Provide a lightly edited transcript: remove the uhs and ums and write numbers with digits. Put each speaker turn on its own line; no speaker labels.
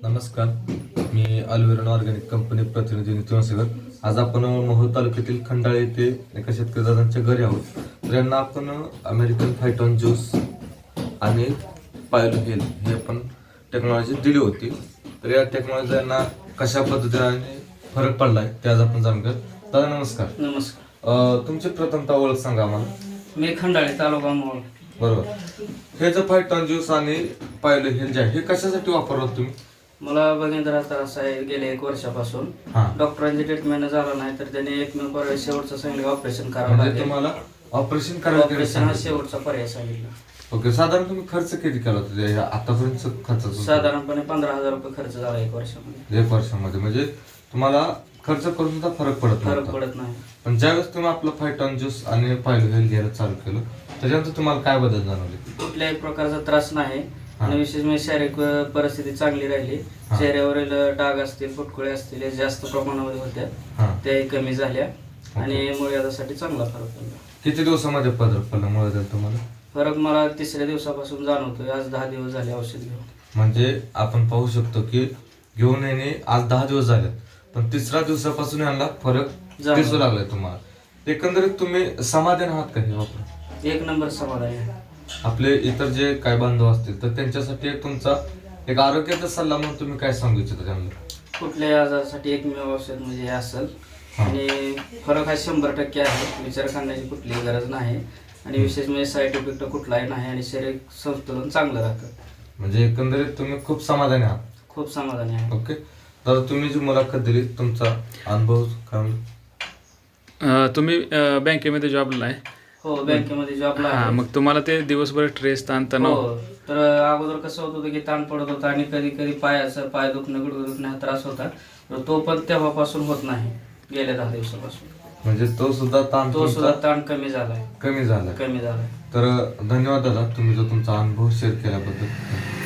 नमस्कार, मी अल्वेरॉन organic company प्रतिनिधी नितीन वसेकर. आज आपण मोहोळ तालुक्यातील खंडाळे येथे एका शेतकरी दादांच्या घरी आहोत. तर यांना आपण अमेरिकन फायटॉन ज्यूस आणि पायलो हेल हे आपण टेक्नॉलॉजी दिली होती. तर या टेक्नॉलॉजी यांना कशा पद्धतीने फरक पडलाय ते आज आपण जाणून घेऊ. दादा नमस्कार.
नमस्कार.
तुमची प्रथमतः ओळख सांगा आम्हाला.
मी खंडाळे तालुका मोहोळ.
बरोबर. हे जे फायटॉन ज्यूस आणि पायलो हेल जे आहे हे कशासाठी वापरलात तुम्ही?
मला बघिंद्रा त्रास आहे गेल्या 1 वर्षापासून. डॉक्टरांची ट्रीटमेंट झाला नाही तर त्याने एकमेव पर्याय शेवटचा सांगितलं ऑपरेशन करावं
म्हणजे
लागेल.
तुम्हाला ऑपरेशन करायचं
ऑपरेशन हा शेवटचा पर्याय सांगितला.
ओके. साधारण तुम्ही खर्च किती केला होता आतापर्यंत खर्च?
साधारणपणे 15,000 रुपये खर्च झाला 1 वर्षामध्ये.
1 वर्षामध्ये म्हणजे तुम्हाला खर्च करून सुद्धा फरक पडत
नाही.
पण ज्यावेळेस तुम्ही आपलं फायटॉन ज्यूस आणि पायलो हेल घ्यायला चालू केलं त्याच्यानंतर तुम्हाला काय बदल जाणवले?
कुठल्याही प्रकारचा त्रास नाही आणि विशेष म्हणजे शारीरिक परिस्थिती चांगली राहिली. चेहऱ्यावरील डाग असतील, फुटकुळे असतील जास्त प्रमाणामध्ये होत्या, त्याही कमी झाल्या आणि मुळव्याधासाठी चांगला फरक पडला.
किती दिवसामध्ये फरक पडला मुळव्याधात तुम्हाला?
फरक मला 3ऱ्या दिवसापासून जाणवतोय. आज 10 दिवस झाले औषध घेऊन.
म्हणजे आपण पाहू शकतो की घेऊन येणे आज 10 दिवस झाले, पण 3ऱ्या दिवसापासून यांना फरक दिसू लागलाय तुम्हाला. एकंदरीत तुम्ही समाधान आहात का हे वापरून?
1 नंबर समाधान आहे.
आपले इतर जे काय बांधव असतील तर त्यांच्यासाठी तुमचा एक आरोग्याचा सल्ला म्हणून तुम्ही काय सांगू इच्छिता त्यांना?
कुठल्याही आजारासाठी एकमेव औषध म्हणजे हे असेल आणि फरक हा 100% आहे. विचार करण्याची कुठलीही गरज नाही आणि विशेष म्हणजे साईड इफेक्ट कुठलाही नाही आणि शरीर संतुलन चांगलं राहतं.
म्हणजे एकंदरीत तुम्ही खूप समाधानी आहात?
खूप समाधानी आहे.
ओके. तर तुम्ही जी मुलाखत दिली तुमचा अनुभव काय?
तुम्ही बँकेमध्ये जॉबला आहे?
हो, बँकेमध्ये जॉबला आहे.
मग तुम्हाला ते दिवसभर स्ट्रेस ताणतणाव?
हो, तर अगोदर कसं होत होतं की ताण पडत होता आणि कधी कधी पाय दुखणं, गुडघे दुखणं हा त्रास होता. तर तो पण तेव्हापासून होत नाही गेल्या 10 दिवसापासून.
म्हणजे तो सुद्धा
ताण कमी झालाय.
कमी झाला.
तर
धन्यवाद दादा, तुम्ही जो तुमचा अनुभव शेअर केल्याबद्दल.